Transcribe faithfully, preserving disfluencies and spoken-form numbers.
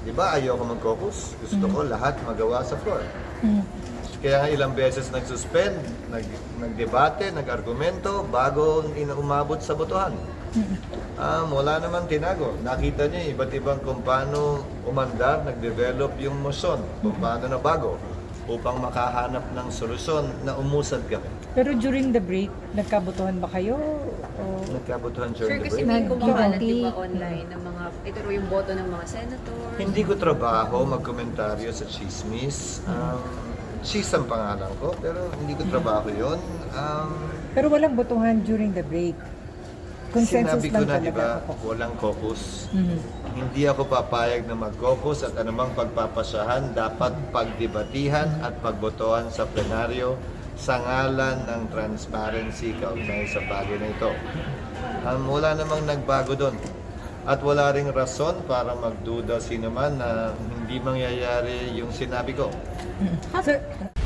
Di ba ayoko mag-caucus? Gusto ko lahat magawa sa floor. Mm. Kaya nga ilang beses nag-suspend, nag, nagdebate, nag-argumento bago ina- umabot sa botohan. Um, wala naman tinago. Nakita niyo iba't ibang kung paano umandar, nag-develop yung motion, kung paano na bago upang makahanap ng solusyon na umusad kami. Pero during the break, nagkabotohan ba kayo? O... Nagkabotohan Sir, during the kasi break. may Nag- kumakalat guilty. di ba online ng mga, ito raw yung boto ng mga senator. Hindi ko trabaho magkomentaryo sa chismis. Um, cheese ang pangalan ko, pero hindi ko trabaho yun. Um, Pero walang botohan during the break. Consensus Sinabi ko lang na, di talaga ba, ako. walang caucus. Mhm. Hindi ako papayag na mag-caucus at anumang pagpapasyahan dapat pagdebatihan at pagbotohan sa plenaryo sa ngalan ng transparency kaugnay sa bagay na ito. Um, wala namang nagbago doon. At wala ring rason para magduda sino man na hindi mangyayari yung sinabi ko. Sir,